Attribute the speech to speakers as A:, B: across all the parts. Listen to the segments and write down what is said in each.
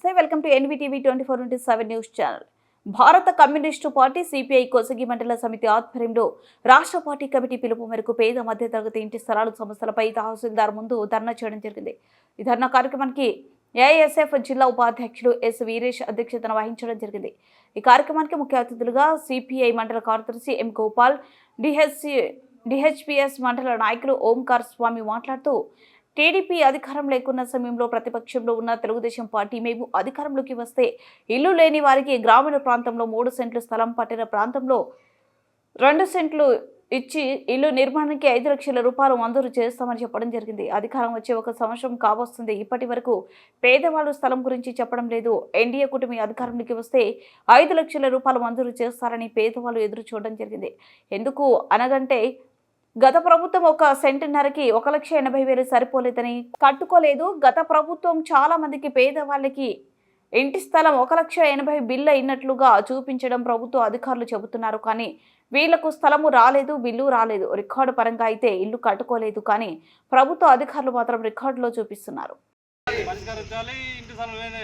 A: నమస్తే welcome to NVTV 24/7 news channel. భారత communist party CPI Kosagi మండల సమితి ఆధ్వర్యంలో రాష్ట్ర పార్టీ కమిటీ పిలుపు మేరకు పేద మధ్యతరగతి ఇంటి స్థలాల సమస్యలపై తహసీల్దార్ ముందు ధర్నా చేయడం జరిగింది. ఈ ధర్నా కార్యక్రమానికి ఏఐఎస్ఎఫ్ జిల్లా ఉపాధ్యక్షుడు ఎస్ వీరేష్ అధ్యక్షతన వహించడం జరిగింది. ఈ కార్యక్రమానికి ముఖ్య అతిథులుగా సిపిఐ మండల కార్యదర్శి ఎం గోపాల్, డిహెచ్పిఎస్ మండల నాయకులు ఓంకార్ స్వామి మాట్లాడుతూ టీడీపీ అధికారం లేకున్న సమయంలో ప్రతిపక్షంలో ఉన్న తెలుగుదేశం పార్టీ మేము అధికారంలోకి వస్తే ఇల్లు లేని వారికి గ్రామీణ ప్రాంతంలో 3 సెంట్లు స్థలం, పట్టణ ప్రాంతంలో 2 సెంట్లు ఇచ్చి ఇల్లు నిర్మాణానికి 5 లక్షల రూపాయలు మంజూరు చేస్తామని చెప్పడం జరిగింది. అధికారం వచ్చే 1 సంవత్సరం కావస్తుంది. ఇప్పటి వరకు పేదవాళ్ళు స్థలం గురించి చెప్పడం లేదు. ఎన్డీఏ కూటమి అధికారంలోకి వస్తే 5 లక్షల రూపాయలు మంజూరు చేస్తారని పేదవాళ్ళు ఎదురు చూడడం జరిగింది. ఎందుకు అనగంటే గత ప్రభుత్వం 1 సెంటున్నరకి 1,80,000 సరిపోలేదని కట్టుకోలేదు. గత ప్రభుత్వం చాలా మందికి పేదవాళ్ళకి ఇంటి స్థలం 1,80,000 బిల్లు అయినట్లుగా చూపించడం ప్రభుత్వ అధికారులు చెబుతున్నారు. కానీ వీళ్లకు స్థలము రాలేదు, బిల్లు రాలేదు. రికార్డు పరంగా అయితే ఇల్లు కట్టుకోలేదు. కానీ ప్రభుత్వ అధికారులు మాత్రం రికార్డులో చూపిస్తున్నారు.
B: పరిష్కరించాలి. ఇంటి స్థలాలు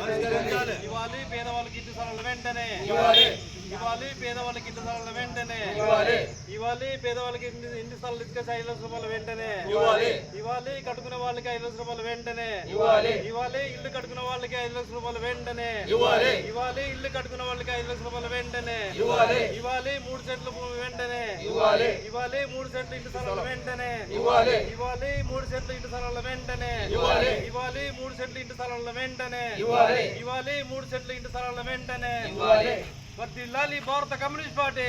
B: ఇవ్వాలి. పేదవాళ్ళకి ఇంటి స్థలాలు వెంటనే ఇవ్వాలి. పేదవాళ్ళకి ఇంటి స్థలాలు వెంటనే ఇవ్వాలి. పేదవాళ్ళకి ఇంటి స్థలాలు తీసుకొచ్చి 5 లక్షల రూపాయలు వెంటనే ఇవ్వాలి. కట్టుకునే వాళ్ళకి 5 లక్షల రూపాయలు వెంటనే ఇవ్వాలి. ఇల్లు కట్టుకున్న వాళ్ళకి 5 లక్షల రూపాయలు వెంటనే ఇవ్వాలి. ఇల్లు కట్టుకున్న వాళ్ళకి 5 లక్షల రూపాయలు వెంటనే ఇవ్వాలి. 3 సెంట్లు భూమి వెంటనే ఇవ్వాలి. 3 సెంట్లు ఇంటి స్థలాలు వెంటనే ఇవ్వాలి. 3 సెంట్లు ఇంటి స్థలాలు వెంటనే ఇవ్వాలి. 3 సెంట్లు ఇంటి స్థలాల వెంటనే ఇవ్వాలి. 3 సెంట్లు ఇంటి స్థలాల వెంటనే ఇవ్వాలి. వర్ధిల్లాలి భారత కమ్యూనిస్ట్ పార్టీ.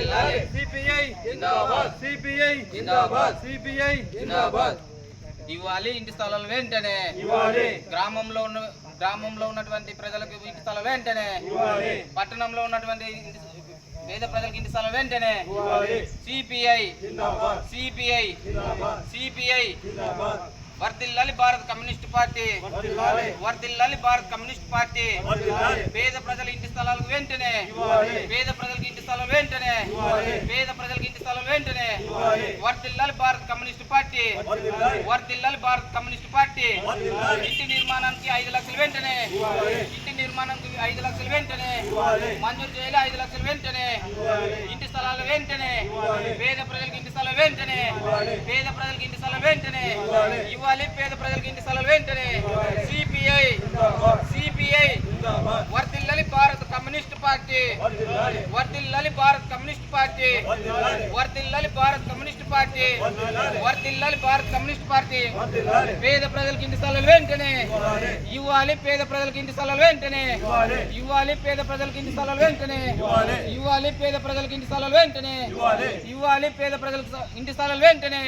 B: సిపిఐ జిందాబాద్. సిపిఐ జిందాబాద్. సిపిఐ జిందాబాద్.
C: ఇవ్వాలి. ఇంటి స్థలాలు వెంటనే
B: ఇవ్వాలి.
C: గ్రామంలో ఉన్నటువంటి ప్రజలకు ఇంటి స్థలాలు వెంటనే
B: ఇవ్వాలి.
C: పట్టణంలో ఉన్నటువంటి పేద ప్రజలకు ఇంటి స్థలాలు వెంటనే సిపిఐ
B: జిందాబాద్.
C: సిపిఐ
B: జిందాబాద్.
C: సిపిఐ
B: జిందాబాద్.
C: వర్ధిల్లాలి భారత కమ్యూనిస్ట్ పార్టీ. వర్ధిల్లాలి భారత కమ్యూనిస్ట్ పార్టీ. పేద ప్రజల ఇంటి స్థలాలకు వెంటనే పేద ప్రజలకు ఇంటి స్థలాలు వెంటనే పేద ప్రజలకు ఇంటి స్థలాలు వెంటనే వర్ధిల్లాలి భారత కమ్యూనిస్ట్ పార్టీ. వర్ధిల్లాలి భారత కమ్యూనిస్ట్ పార్టీ. ఇంటి నిర్మాణానికి 5 లక్షలు వెంటనే ఇంటి నిర్మాణానికి 5 లక్షలు వెంటనే మంజూరు చేయాలి. 5 లక్షలు వెంటనే ఇంటి స్థలాలు వెంటనే పేద ప్రజలకు ఇంటి స్థలాలు వెంటనే పేద ప్రజలకు ఇంటి స్థలాలు వెంటనే ఇవ్వాలి. పేద ప్రజలకు ఇంటి స్థలాలు వెంటనే సిపిఐ వర్ధిల్లాలి భారత కమ్యూనిస్ట్ పార్టీ. వర్ధిల్లాలి భారత కమ్యూనిస్ట్ పార్టీ. వర్ధిల్లాలి భారత కమ్యూనిస్ట్ పార్టీ. వర్ధిల్లాలి భారత కమ్యూనిస్ట్ పార్టీ. పేద ప్రజలకు ఇంటి స్థలాలు వెంటనే ఇవ్వాలి. పేద ప్రజలకు ఇంటి స్థలాలు వెంటనే ఇవ్వాలి. పేద ప్రజలకు ఇంటి స్థలాలు వెంటనే ఇవ్వాలి. పేద ప్రజలకు ఇంటి స్థలాలు వెంటనే ఇవ్వాలి. పేద ప్రజలకు ఇంటి స్థలాలు వెంటనే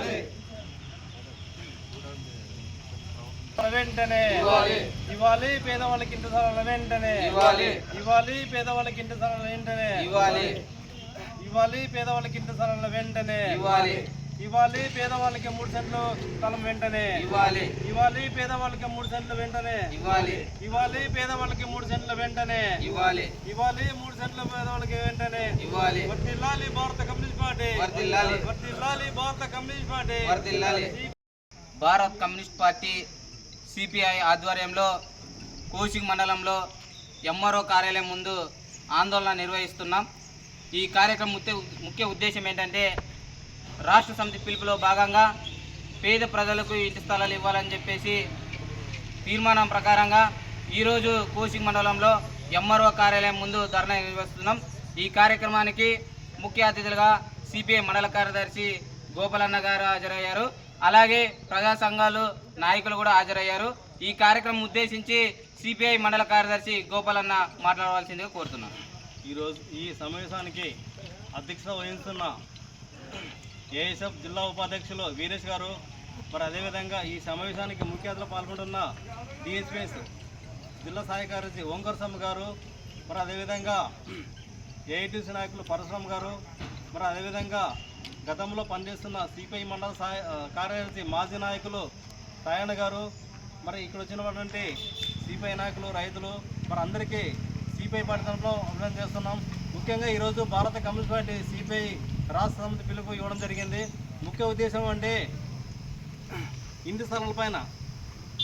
B: వెంటనే ఇవ్వాలి. పేదవాళ్ళకి ఇంటి స్థలాల వెంటనే ఇవ్వాలి. పేదవాళ్ళకి ఇంటి స్థలాల వెంటనే ఇవ్వాలి. పేదవాళ్ళకి ఇంటి స్థలాల వెంటనే ఇవ్వాలి. పేదవాళ్ళకి 3 సెంట్లు స్థలం వెంటనే ఇవ్వాలి. పేదవాళ్ళకి 3 సెంట్లు వెంటనే ఇవ్వాలి. పేదవాళ్ళకి 3 సెంట్ల వెంటనే ఇవ్వాలి. 3 సెంట్ల పేదవాళ్ళకి వెంటనే వర్ధిల్లాలి భారత కమ్యూనిస్ట్ పార్టీ. వర్ధిల్లాలి భారత కమ్యూనిస్ట్ పార్టీ.
C: భారత కమ్యూనిస్ట్ పార్టీ సిపిఐ ఆధ్వర్యంలో కోసిగి మండలంలో ఎంఆర్ఓ కార్యాలయం ముందు ఆందోళన నిర్వహిస్తున్నాం. ఈ కార్యక్రమం ముఖ్య ఉద్దేశం ఏంటంటే రాష్ట్ర సమితి పిలుపులో భాగంగా పేద ప్రజలకు ఇంటి స్థలాలు ఇవ్వాలని చెప్పేసి తీర్మానం ప్రకారంగా ఈరోజు కోసిగి మండలంలో ఎంఆర్ఓ కార్యాలయం ముందు ధర్నా నిర్వహిస్తున్నాం. ఈ కార్యక్రమానికి ముఖ్య అతిథులుగా సిపిఐ మండల కార్యదర్శి గోపాలన్న గారు హాజరయ్యారు. అలాగే ప్రజా సంఘాలు నాయకులు కూడా హాజరయ్యారు. ఈ కార్యక్రమం ఉద్దేశించి సిపిఐ మండల కార్యదర్శి గోపాలన్న మాట్లాడవలసిందిగా కోరుతున్నాను.
B: ఈరోజు ఈ సమావేశానికి అధ్యక్షత వహిస్తున్న ఏఎస్ఎఫ్ జిల్లా ఉపాధ్యక్షులు వీరేష్ గారు, మరి అదేవిధంగా ఈ సమావేశానికి ముఖ్య అతిథిలో పాల్గొంటున్న డిహెచ్పిఎస్ జిల్లా సహాయ కార్యదర్శి ఓంకార్ స్వామి గారు, మరి అదేవిధంగా ఏఐటీసీ నాయకులు పరశురామ్ గారు, మరి అదేవిధంగా గతంలో పనిచేస్తున్న సిపిఐ మండల కార్యదర్శి మాజీ నాయకులు సాయన్న గారు, మరి ఇక్కడ వచ్చినటువంటి సిపిఐ నాయకులు, రైతులు, మరి అందరికీ సిపిఐ పార్టీ తరఫున అభినందన చేస్తున్నాం. ముఖ్యంగా ఈరోజు భారత కమ్యూనిస్ట్ పార్టీ సిపిఐ రాష్ట్ర సమితి పిలుపు ఇవ్వడం జరిగింది. ముఖ్య ఉద్దేశం అంటే ఇంటి స్థలాలపైన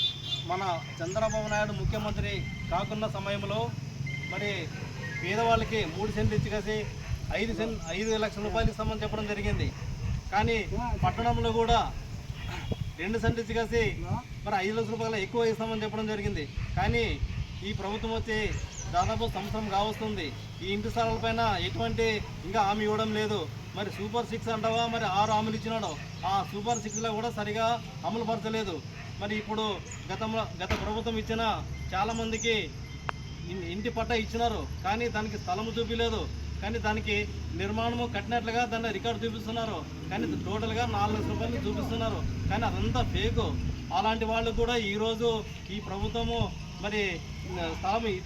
B: మన చంద్రబాబు నాయుడు ముఖ్యమంత్రి కాకున్న సమయంలో మరి పేదవాళ్ళకి 3 సెంట్లు ఇచ్చి కలిసి 5 లక్షల రూపాయలు ఇస్తామని చెప్పడం జరిగింది. కానీ పట్టణంలో కూడా 2 సెంట్లు ఇచ్చి కలిసి మరి 5 లక్షల రూపాయలు ఎక్కువ ఇస్తామని చెప్పడం జరిగింది. కానీ ఈ ప్రభుత్వం వచ్చి దాదాపు సంవత్సరం కావస్తుంది. ఈ ఇంటి స్థలాలపైన ఎటువంటి ఇంకా హామీ ఇవ్వడం లేదు. మరి సూపర్ 6 అంటావా, మరి 6 హామీలు ఇచ్చినాడు. ఆ సూపర్ 6లో కూడా సరిగా అమలు పరచలేదు. మరి ఇప్పుడు గత ప్రభుత్వం ఇచ్చిన చాలామందికి ఇంటి పట్టా ఇచ్చినారు, కానీ దానికి స్థలము చూపించలేదు. కానీ దానికి నిర్మాణము కట్టినట్లుగా దాన్ని రికార్డు చూపిస్తున్నారు. కానీ టోటల్గా 4 లక్షల రూపాయలు చూపిస్తున్నారు. కానీ అదంతా ఫేకు. అలాంటి వాళ్ళు కూడా ఈరోజు ఈ ప్రభుత్వము మరి స్థలం